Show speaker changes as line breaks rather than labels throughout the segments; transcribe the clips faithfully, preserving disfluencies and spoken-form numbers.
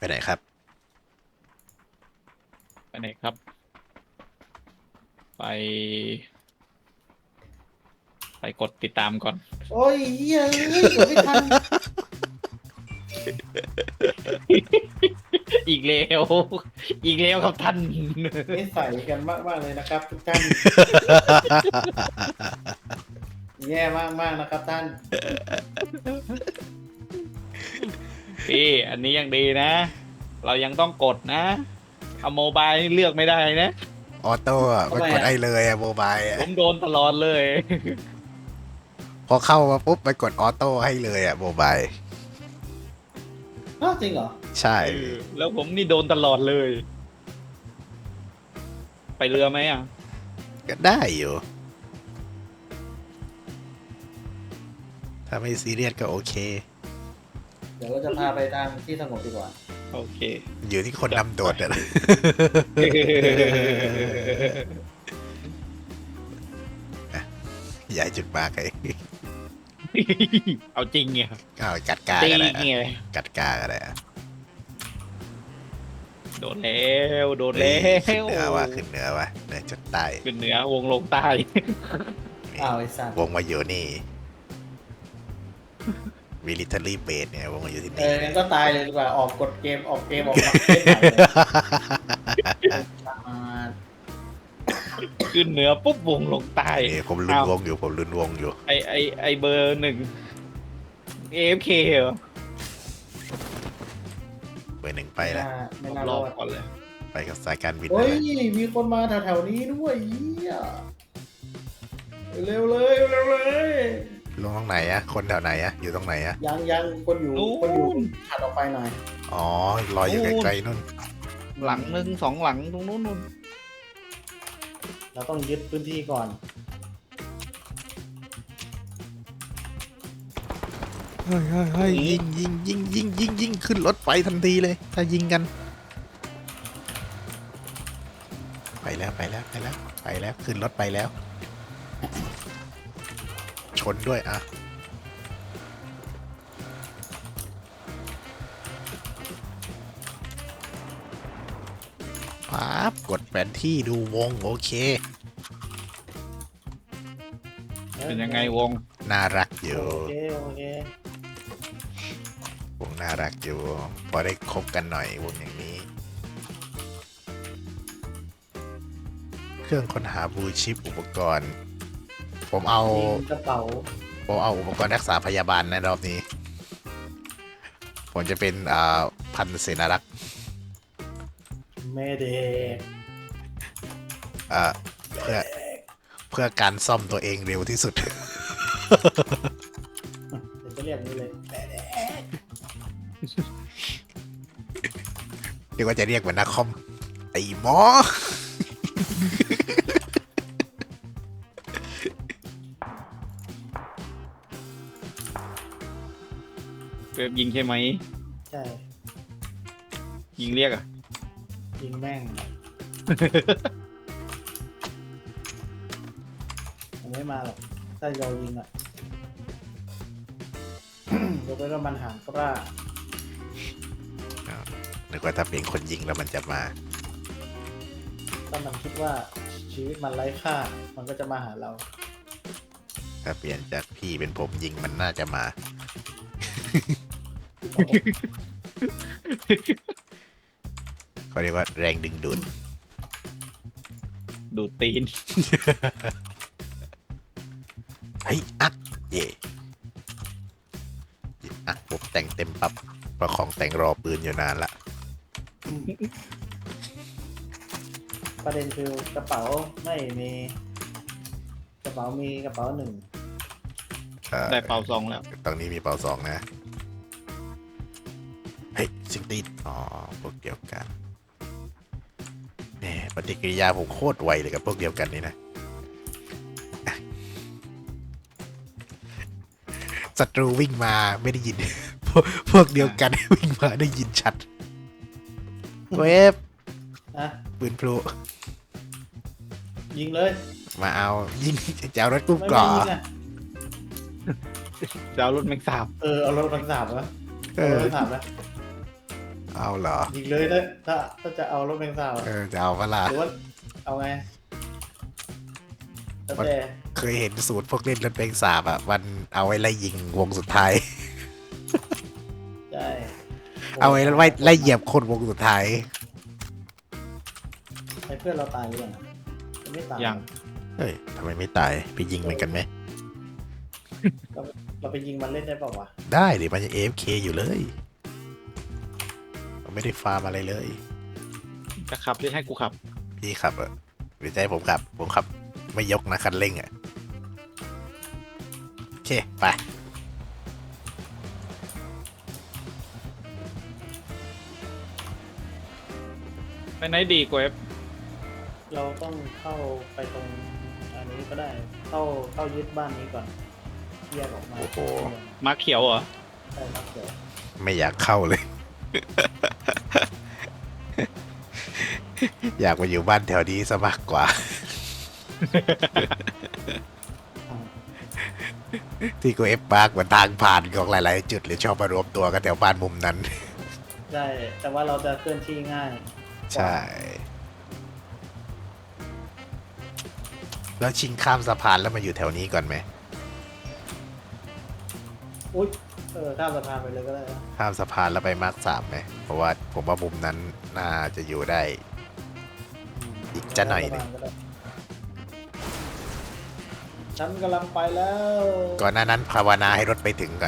ไหนครับ
ไปไหนครับ ไปไปกดติดตามก่อน
โอ้ยเฮ้ยเอ้ยกดไม่ทัน
อีกแล้วอีกแล้วครับท่าน
นิสัยกันมากมากๆเลยนะครับ ทุกท่านแย่มากมากๆนะครับท่าน
พี่อันนี้ยังดีนะ เรายังต้องกดนะเอาโมบายนี่เลือกไม่ได้นะ
ออโต้อะมันกดได้เลยอะโมบายอะ
ผมโดนตลอดเลย
พอเข้ามาปุ๊บมันกดออโต้ให้เลยอะโมบาย
อ้าวจริงเหรอ
ใช่
เออแล้วผมนี่โดนตลอดเลย ไปเรือไหมอ่ะ
ก็ได้อยู่ ถ้าไม่ซีเรียสก็โอเค
เดี๋ยวเราจะพาไปทางที่สงบดีกว่า
โอเค
อยู่ที่คนนำโดดอะ อย่าจุดมากไอ้
เอาจริงไง
เอากัดกา
จริ
ก็
ง
ได้
ไง
อะกัดกาก็ได้อะ
โดนแล้วโดนแล้
ขึ้น
ว
เหนือว่ะขึ้นเหนือว่ะเหนือจดใต้
ขึ้นเหนือวงลงใต้
อ้าวไอ้สัตว์
วงมาอยู่นี่ military base เนี่ยวงมาอยู่ที่
เอ
นี่
องั้นก็ตายเลยดีกว่า ออกกดเกม ออกเกม ออกมาเล่นใหม่เลยอ่า
ขึ้นเหนือปุ๊บวงลงใต้
นี่ผมลุ้นวงอยู่ผมลุ้นวงอยู่
ไอไอไอเบอร์หนึ่ง เอ เอฟ เค เหรอ
เบอร์หนึ่งไปแล้ว
ไม่
ผม
น่าร ร
อ
อด
ก่อนเลย
ไปกับสายการบิน
เฮ้
เลย ย
มีคนมาแถวๆนี้ด้วยเหี้ยเร็วเลยเร็วเลย
ลงตรงไหนอะคนแถวไหนอะอยู่ตรงไหนอะ
ยังยังคนอยู่
นู่น
คนอยู่ถัดออกไปหน่อย
อ๋อรออยู่ไกลๆนู่น
หลังหนึ่งสองหลังตรงนู้นนู่น
เราต้องยึดพื้นที่ก่อน
เฮ้ยเฮ้ยเฮ้ยยิงยิงยิงยิงยิงยิงขึ้นรถไปทันทีเลย ถ้ายิงกัน ไปแล้วไปแล้วไปแล้วไปแล้วขึ้นรถไปแล้ว ชนด้วยอ่ะปั๊บกดแผนที่ดูวงโอเค
เป็นยังไงวง
น่ารักอยู่
โอเคโอเคว
งน่ารักอยู่ พอได้คบกันหน่อยวงอย่างนี้ เครื่องค้นหาบลูชิปอุปกรณ์ ผมเอา
มีกระเป๋า
ผมเอาอุปกรณ์รักษาพยาบาลในรอบนี้ ผมจะเป็นอ่าพันเสนารักษ์
แม่เด็ก
อ่าเพื่อเพื่อการซ่อมตัวเองเร็วที่สุด
เดี๋ยวจะเรียกนี้เลยแม่เด็ก
เรียกว่าจะเรียกเหมือนนักคอมไอ้หมอ
เว็บยิงใช่ไหม
ใช่
ยิงเรียกอ่ะ
ยิงแม่งมันไม่มาหรอกถ้าเรายิงอ่ะ ยกเว้นว่ามันหางกล้า
นึกว่าถ้าเป็นคนยิงแล้วมันจะมา
ถ้ามันคิดว่าชีวิตมันไร้ค่า มันก็จะมาหาเรา
ถ้าเปลี่ยนจากพี่เป็นผมยิงมันน่าจะมา เขาเรียกว่าแรงดึงดูด
ดูดตีน
เฮ้ยอักเย่หยิบอักปุ๊บแต่งเต็มปับประคองแต่งรอปืนอยู่นานละ
ประเด็นคือกระเป๋าไม่มี กระเป๋ามีกระเป๋าหนึ่ง
อ่อ
ได้เป่าซองแล้ว
ตรงนี้มีเป่าสองนะ เฮ้ยสิงติดอ๋อ พวกเดียวกันแหมปฏิกิริยาผมโคตรไวเลยกับพวกเดียวกันนี่นะอ่ะศัตรูวิ่งมาไม่ได้ยิน พวกพวกเดียวกัน วิ่งมาได้ยินชัด เวฟ
นะ
ปืนพลุ
ยิงเลย
มาเอายิงจะเอารถกุ้ง
ไม่
ก่อ
ไม่ยิงอ่ะ
จะเอารถแมงสาบ
เออเอารถกระสาบวะ
เอ
เอาร
อ
ถกระสาบนะ
เอาเหรอ
ยิงเลยถ้าถ้าถ้าจะเอารถแมงสาบ
เออจะเอาเวลา
หรือว่าเอาไงแล้วแต่
เคยเห็นสูตรพวกเล่นรถเป็นสาบอ่ะมันเอาไว้ไล่ยิงวงสุดท้าย
ใช่
เอาไว้ไล่ไล่เหยียบคนวงสุดท้าย
ไอ้เพื่อนเราตายหรือยังยังไม่ตาย
ยัง
เฮ้ยทำไมไม่ตายไปยิงมันกันไหม
เราเราไปยิงมันเล่นได้เปล่าวะ
ได้ดิมันยัง เอ เอฟ เค อยู่เลยมันไม่ได้ฟาร์มอะไรเลย
จะขับหรือให้กูขับ
พี่ขับอ่ะหรือจะให้ผมขับ ผมขับ ไม่ยกนะคันเร่งอ่ะ โอเค ไป
ไปไหนดีกว่าเอฟ
เราต้องเข้าไปตรงอันนี้ก็ได้ เข้าเข้ายึดบ้านนี้ก่อนแยกออกมา
โอ้โห
มาเขียวเหรอ
ใช่ครับเดี๋ยว
ไม่อยากเข้าเลย อยากมาอยู่บ้านแถวนี้ซะมากกว่า ที่กูเอฟปาร์กเหมือนทางผ่านของหลายๆจุดหรือชอบมารวมตัวกันแถวบ้านมุมนั้น
ใช่แต่ว่าเราจะเคลื่อนที่ง่าย
ใช่ แล้วชิงข้ามสะพานแล้วมาอยู่แถวนี้ก่อนไหม
อุ้ยเออข้ามสะพานไปเลยก็ได้นะ
ข้ามสะพานแล้วไปมาร์คสามไหม เพราะว่าผมว่ามุมนั้นน่าจะอยู่ได้ อีกจะหน่อยหนึ่ง
ก็ได้ฉันกำลังไปแล้ว
ก่อนหน้านั้นภาวนาให้รถไปถึงก่อน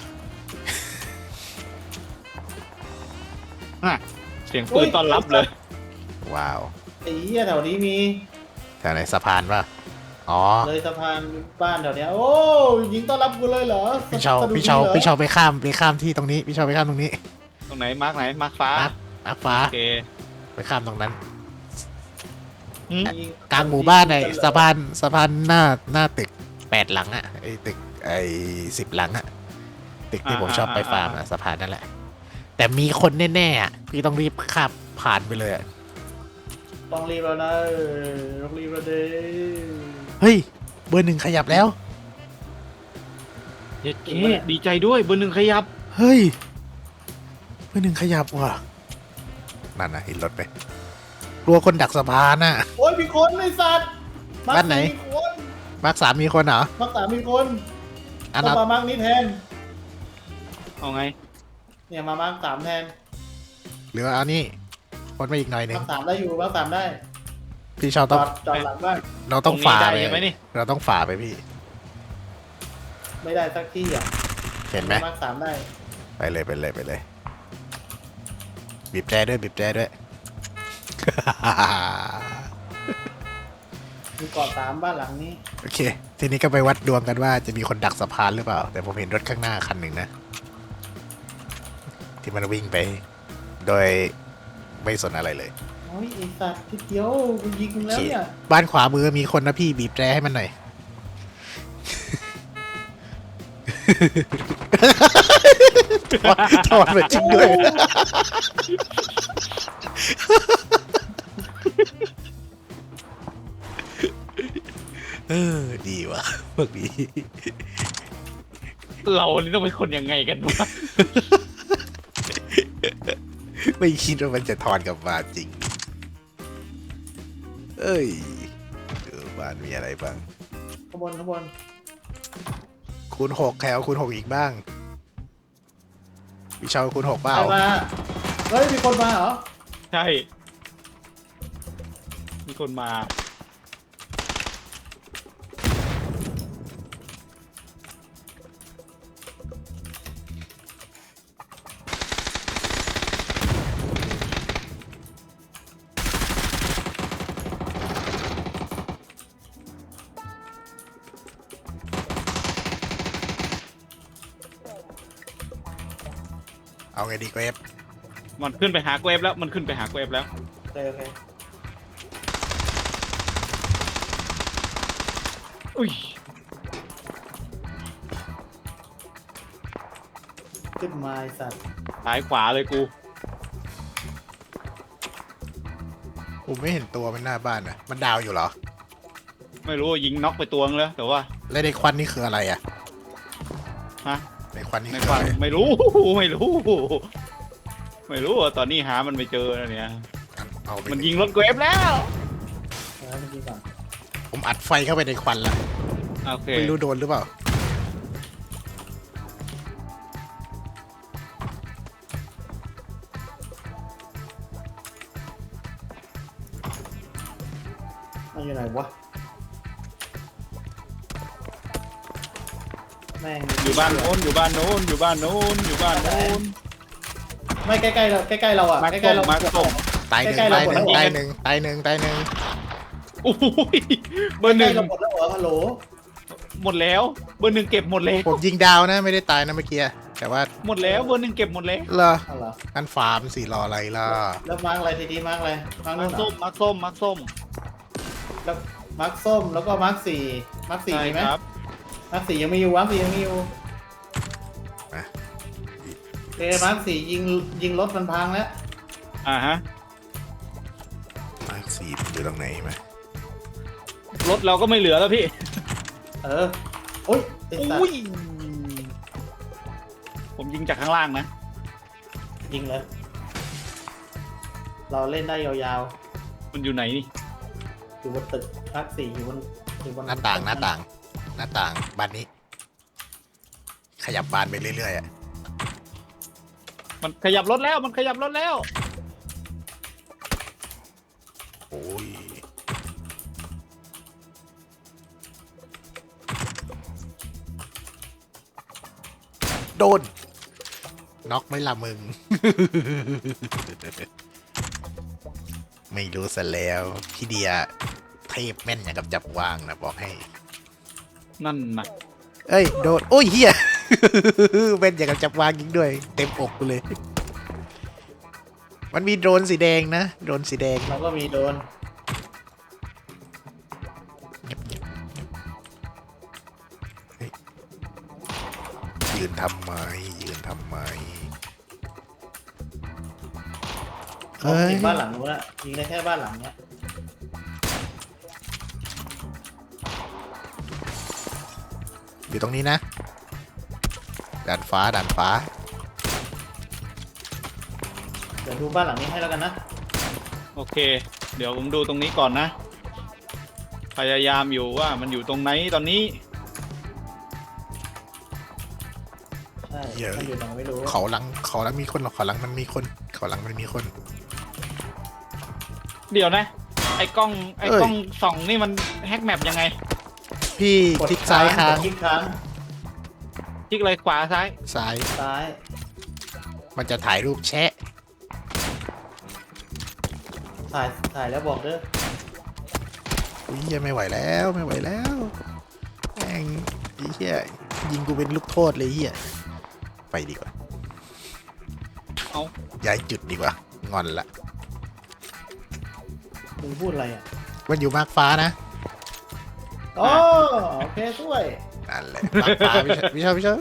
เสียงปืนต้อนรับเลย
ว้าว
ไอ้เหี้ยแถวนี้มี
แถวไหนสะพานป่ะ อ๋อ
เลยสะพานบ้านแถวเนี้ยโอ้ยิงต้อนรับกูเลยเหรอ
พี่เชา
สะดุด
พี่เชา
หรอ
พี่เชาไปข้ามไปข้ามที่ตรงนี้ พี่เชาไปข้ามตรงนี้
ตรงไหนมาร์กไหนมาร์กฟ้า
มาร์ค มาร์คฟ้า
โอเค
ไปข้ามตรงนั้น
อืม
ยิง
กลางหมู่บ้านไอ้สะพานสะพานหน้าหน้าตึกแปดหลังอะไอ้ตึกไอ้สิบหลังอะตึกที่ผมชอบไปฟาร์มอะสะพานนั่นแหละ แต่มีคนแน่ๆอะพี่ต้องรีบข้ามผ่านไปเลยอะ
ต้องรีบแล้วนะเออต้องรีบแล้วเด้
เฮ้ย เบอร์หนึ่งขยับแล้ว
เย็ดเคดีใจด้วยเบอร์หนึ่งขยับ
เฮ้ย เบอร์หนึ่งขยับว่ะนั่นนะเห็นรถไหมกลัวคนดักสะพานน่ะ
โอ้ยมีคนไอ้สัตว์มัก
บ้านไหน
มีคน
มาร์คสามมีคนเหรอ
มักสามมีคน
อัน
ต้อ
นั้น
งมามักนี้แทน
เอาไง
เนี่ยมามักสามแทน
หรือว่าเอานี่คนมาอีกหน่อยหนึ่
มั
ง
กสามได้อยู่มักสามได้
พี่ชาว
จ
ต้อง
อดจอดหลังบ้าน
เราต้องฝ่า
ตรง
ไป
นี้ได้ใช่ไหมนี่
เราต้องฝ่าไปพี่
ไม่ได้สักที่อ่ะ
เห็นไหม
มักสามได้
ไปเลยไปเลยไปเลย บีบแจด้วยบีบแจด้วย
มีเกาะสามบ้านหลังนี้
โอเค ทีนี้ก็ไปวัดดวงกันว่าจะมีคนดักสะพานหรือเปล่า แต่ผมเห็นรถข้างหน้าคันหนึ่งนะ ที่มันวิ่งไป โดยไม่สนอะไรเลย
โอ้ยไอ้สัตว์ทีเดียวกูยิงมึง
โอ
แล้ว
เค
เนี่ย
บ้านขวามือมีคนนะพี่บีบแตรให้มันหน่อย ถอดมาจริงด้วย เออ ดีว่ะพวกนี้
เรานี่ต้องเป็นคนยังไงกันวะ
ไม่คิดว่ามันจะถอนกลับมาจริง เอ้ยดูบ้านมีอะไรบ้าง
ข้างบนข้างบน
คูณหกใครเอาคูณหกอีกบ้างพี่เชาคูณหกเปล่า
ใครมาเฮ้ยมีคนมาเหรอ
ใช่ มีคนมา
เอาไงดีก็เอฟ
มันขึ้นไปหาเกวฟแล้ว มันขึ้นไปหาเกวฟแล้ว
โอเคโอเค
อุ้ย
ขึ้นมาไอ้สัตว์
ซ้ายขวาเลยกู
ผมไม่เห็นตัวมันหน้าบ้านนะมันดาวอยู่เหรอ
ไม่รู้ยิงน็อกไปตัวนึงแล้ว แต่ว่า
แล้วในควันนี่คืออะไรอ่ะ
ฮะ
ในควันนี่
ใน
คือ
ควา
อะ
ม
ไร
ไม่รู้ ไม่รู้ไม่รู้อ่ะตอนนี้หามันไม่เจอนะเนี่ย
เอาไป
มันยิงรถเกรฟแล้ว
เออมันยิงก่อน
ผมอัดไฟเข้าไปในควันละ
โอเค
ไม่รู้โดนหรือเปล่า
มันอยู่ไหนวะแม่ง
อยู่บ้านโน้นอยู่บ้านโน้นอยู่บ้านโน้นอยู่บ้านโน้น
ไม่ใกล้ๆเราใกล้ๆเราอ่ะ
มาร์ค
ใกล้ๆเรา
ส้มมาร์คส้ม
ตายหนึ่ง
ใกล้ๆเรา
ตายหนึ่ง
หมดแล้ว
ตายหนึ่งตายหนึ่งตายหนึ่ง
โอ้ยเบอร์ห
ใกล้
นึ่ง
ๆเราหมดแล้วเหรอฮัลโหล
หมดแล้วเบอร์หนึ่งเก็บหมดแล้ว
ผมยิงดาวนะไม่ได้ตายนะเมื่อกี้แต่ว่า
หมดแล้วเบอร์หนึ่งเก็บหมดแล้ว
เหรอ
เอาเหรอ
งั้นฟาร์มสิรออะไรล่ะ
แล้วมาร์กอะไรทีดีมาร์กอะไรมาร์ก
มา
นู่
ร์
น
ค
เหร
ส้
อ
มมาร์คส้มมาร์คส้ม
แล้วมาร์กส้มแล้วก็มาร์กสี่มาร์กสี่
ใช่
มีไหม
ครับ
มาร์กสี่ยังไม่อยู่มาร์กสี่ยังไม่อยู่
มา
เอมาร์กสี่ยิงยิงรถมันพังแล้ว
อ่าฮะ
มาร์คสี่มันอยู่ตรงไหนไหม
รถเราก็ไม่เหลือแล้วพี่
เออโอ้ยไอ้สัต
อุ้ย
ว์
ผมยิงจากข้างล่างนะ
ยิงเลย เราเล่นได้ยาว
มันอยู่ไหนนี่
ๆอยู่บนตึกมาร์กสี่อยู่บนอยู่บน
หน้าต่างหน้าต่าง หน้าต่างบานนี้ ขยับบานไปเรื่อยๆอ่ะ
มันขยับรถแล้วมันขยับรถแล้ว
โอ้ยโดนน็อกไหม่ละมึง ไม่รู้ซะแล้วพี่เดียเทพแม่นอย่างกับจับวางนะบอกให้
นั่นนะ
เอ้ยโดนโอ้ยเฮีย แม่นอย่างกับจับวางยิงด้วย เต็มอกกูเลย มันมีโดรนสีแดงนะโดรนสีแดง
เราก็มีโดน
ยืนทำไมยืนทำไม
เขา
เฮ้ย
ยิงบ้านหลังนู้นอะยิงได้แค่บ้านหลังเนี้ย
อยู่ตรงนี้นะด่านฟ้าด่านฟ้า
เดี๋ยวดูบ้านหลังนี้ให้แล้วกันนะ
โอเค เดี๋ยวผมดูตรงนี้ก่อนนะ พยายามอยู่ว่ามันอยู่ตรงไหนตอนนี้
ใช่มันอยู่ตรงไหนไม่รู้
เขาหลังเขาหลังมีคนหรอกเขาหลังมันมีคนเขาหลังมันมีคน
เดี๋ยวนะ ไอ้กล้องไอ้
เอ้ย
กล้องส่องนี่มันแฮกแมปยังไง
พี่
กด
คลิกซ้ายค้าง
กดคลิกค้าง
คลิกอะไรขวาซ้าย
ซ้าย
ซ้าย
มันจะถ่ายรูปแชะ
ถ่ายถ่ายแล้วบอกเด้อ
อุ้ยเหี้ยไม่ไหวแล้วไม่ไหวแล้วแม่งไอ้เหี้ยยิงกูเป็นลูกโทษเลยเหี้ยไปดีกว่า
เอา
ย้ายจุดดีกว่างอนละ
มึงพูดอะไรอ่ะ
มันอยู่มากฟ้านะ
โอ้โอเคช่วย
นั่นแหละมากฟ้าพี่ชพี่ชอบพี่ชอบ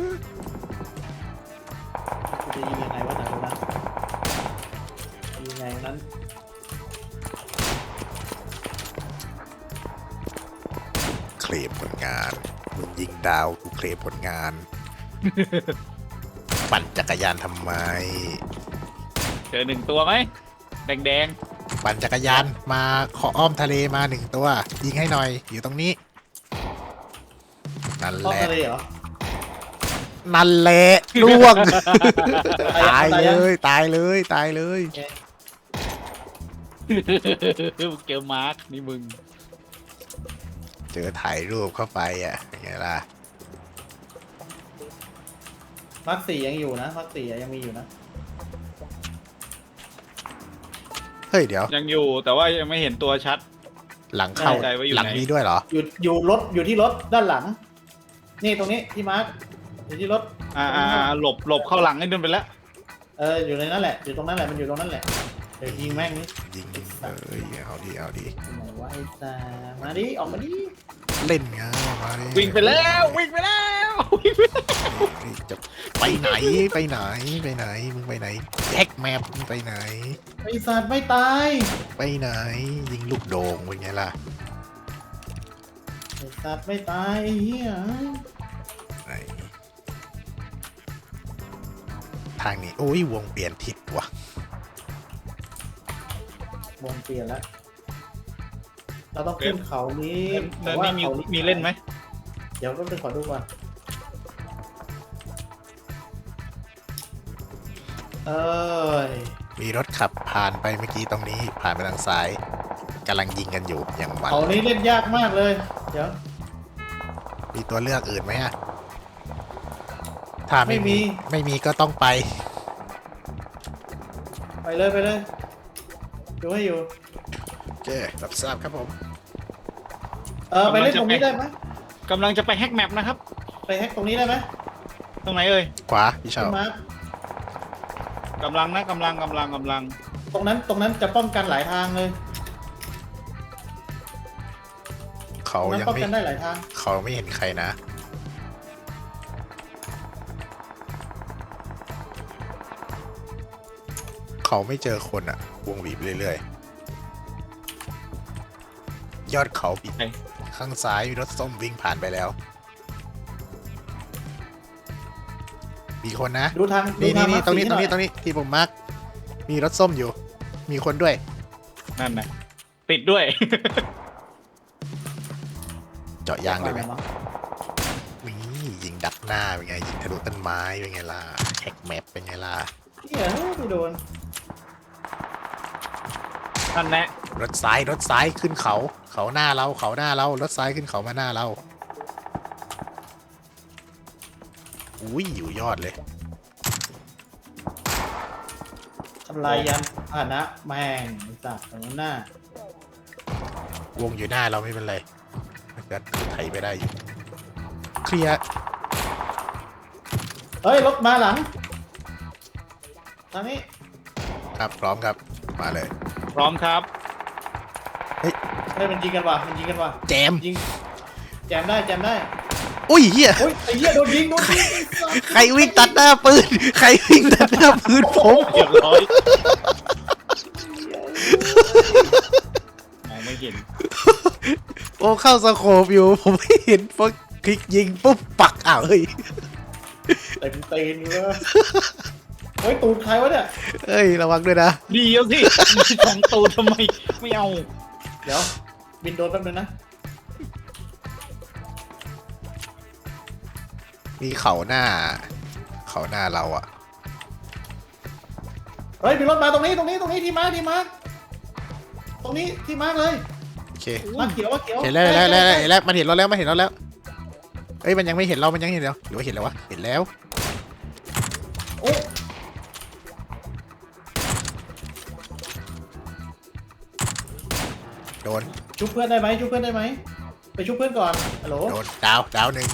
กูจะยิงยังไงวะไหนวะนะยิงไงนั้น
เคลมผลงานมึงยิงดาวกูเคลมผลงาน ปั่นจักรยานทำไม
เจอหนึ่งตัวไหมแดงแดง
ปั่นจักรยานมาขออ้อมทะเลมาหนึ่งตัว ยิงให้หน่อยอยู่ตรงนี้ นั่น
เข้า
แหละ
ทะเลเหรอ
นั่นแหละล่วง
ตา
ตาย ย
ยัง
เลย ตายเลยตายเลย
ๆเจอมาร์คนี่มึง
เจอถ่ายรูปเข้าไปอ่ะไงล่ะ
มาร์คสี่ยังอยู่นะมาร์คสี่ยังมีอยู่นะ
เฮ้ยเดี๋ยว
ยังอยู่แต่ว่ายังไม่เห็นตัวชัด
หลังเข้า
ไม่แน่ใจว่าอยู่
หลัง
ไหน
นี้ด้วยเหรอ
อยู่อยู่รถอยู่ที่รถด้านหลัง นี่ตรงนี้ที่มาร์คอยู่ที่รถ
อ่าอ่าอ่าหลบหลบเข้าหลังให้เดินไปแล้ว
เอออยู่ในนั้นแหละอยู่ตรงนั้นแหละมันอยู่ตรงนั้นแหละเดี๋ยวยิงแม่งนี่
ยิงเอ้ยเอาดิเอาดิ
ไหนวะไอ้ตามาดิออกมาดิ
เล่นไงมาดิ
วิ่งไปแล้ววิ่งไปแล้ววิ่งไปแล้ว
จะไปไหนไปไหนไปไหนมึงไปไหนแจ็คแมปมึงไปไหน
ไอ้สัตว์ไม่ตาย
ไปไหน ยิงลูกโด่งเป็นไงล่ะ
ไอ้สัตว์ไม่ตายไอ้เหี้ย
ไหนทางนี้โอ้ยวงเปลี่ยนทิศว่ะ
วงเปลี่ยนแล้ว เราต้องขึ้นเขานี้
เนินนี่มีมีเล่นไหม
เดี๋ยวต้องไปขอดูก่อนเอ้ย
มีรถขับผ่านไปเมื่อกี้ตรงนี้ผ่านไปทางซ้ายกำลังยิงกันอยู่อย่างมัน
เขานี้เล่นยากมากเลย เดี๋ยว
มีตัวเลือกอื่นไหมอะถ้าไม่
ไม่มี
มีไม่มีก็ต้องไป
ไปเลยไปเลยดูให้อยู่
โอเครับทราบครับผม
เออไปเล่นตรงนี้ได้ไหม
กำลังจะไปแฮกแมปนะครับ
ไปแฮกตรงนี้ได้ไหม
ตรงไหนเอ่ย
ขวาพี่เชา
ขึ้นมาก
ำลังนะกำลังกำลังกำลัง
ตรงนั้นตรงนั้นจะป้องกันหลายทางเลย
เขา
ตรงนั้น
ยัง
ป้อง
ไม่
กันได้หลายทาง
เขาไม่เห็นใครนะ เขาไม่เจอคนอะวงบีบเรื่อยๆ ยอดเขาปิด
ไหน
ข้างซ้ายมีรถส้มวิ่งผ่านไปแล้ว มีคนนะ
ดูทางดู
นี่
ทา
นี่
ง
นี่ตรงนี้ตรงนี้
มาร์คสี
ตรงนี้ที่ผมมาร์กมีรถส้มอยู่ มีคนด้วย
นั่นนะติดด้วย
เจาะยางเลยไหม
หน่อ
นี่ยิงดักหน้าเป็นไงยิงทะลุต้นไม้เป็นไงล่ะแฮกแมปเป็นไงล่ะ
เหี้ยไม่โดน
นั่นแหละ
รถซ้ายรถซ้ายขึ้นเขา เขาหน้าเราเขาหน้าเรารถซ้ายขึ้นเขามาหน้าเราอุ้ยอยู่ยอดเลย
ทำลายยานพาหนะแม่งไอ้สัตว์ตรงหน้า
วงอยู่หน้าเราไม่เป็นไรมันจะไถไปได้อยู่เคลียร์
เฮ้ยรถมาหลังทางนี้
ครับพร้อมครับมาเลย
พร้อมครับ
เฮ้ยมันยิงกันว่ะมันยิงกันว่ะ
แจม
ยิงแจมได้แจมได้
อุ้ยเฮีย
โอ้ยไอ้เหี้ยโดนยิงโดนยิงไอ้สัตว์
ใครวิ่งตัดหน้าปืนใครวิ่งตัดหน้าปืนผม
เรียบร้อยมองไม่เห็น
โอ้เข้าสโคปอยู่ผมไม่เห็นพอคลิกยิงปุ๊บปักอ้าวเฮ้ย
เต็มตีนเลยเฮ้ยตูดใครวะเนี่ย
เอ้ยระวังด้วยนะ
เดียวสิมีสองตัวทำไมไม่เอา
เดี๋ยวบินโดนแป๊บนึงนะ
มีเขาหน้า เขาหน้าเราอะ
เฮ้ยมีรถมาตรงนี้ตรงนี้ตรงนี้ที่มาร์คที่มาร์คตรงนี้ที่มาร์คเลย
โอเค
มาร์คเขียวมาร์คเขียว
เห็นแล้วเห็นแล้วเห็นแล้วเห็นแล้วมันเห็นเราแล้วมันเห็นเราแล้วเอ้ยมันยังไม่เห็นเรามันยังเห็นเราหรือว่าเห็นแล้ววะเห็นแล้ว
โอ้
โดน
ชุบเพื่อนได้ไหมชุบเพื่อนได้ไหมไปชุบเพื่อนก่อนฮัลโหล
โดนดาวดาวหนึ่ง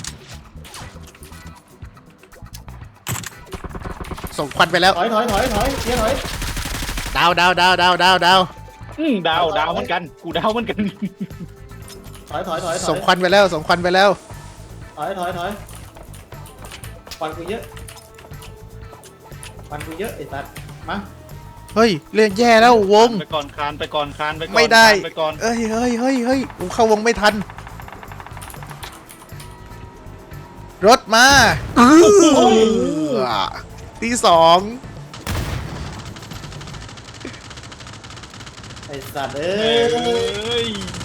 ส่งควันไปแล้ว
ถอยถอยถอยถอยเดี๋ยวถอย
ดาวดาวดาวดาวดาวดาว
อืมดาวดาวเหมือนกัน กูดาวเหมือนกัน
ถอยถอยถอยถอย
ส่งควันไปแล้วส่งควันไปแล้ว
ถอยถอยถอยควันกูเยอะควันกูเยอะไอ้สัตว์มา
เฮ้ยเรื่องแย่แล้ววง
ไปก่อนคานไปก่อนคานไปก่อน
ไม่ได้
คานไปก่อน
เอ้ยเฮ้ยเฮ้ยเฮ้ยกูเข้าวงไม่ทัน รถมาอื้อที่สอง
ไอ้สัตว์เอ้
เอ้
ย
ย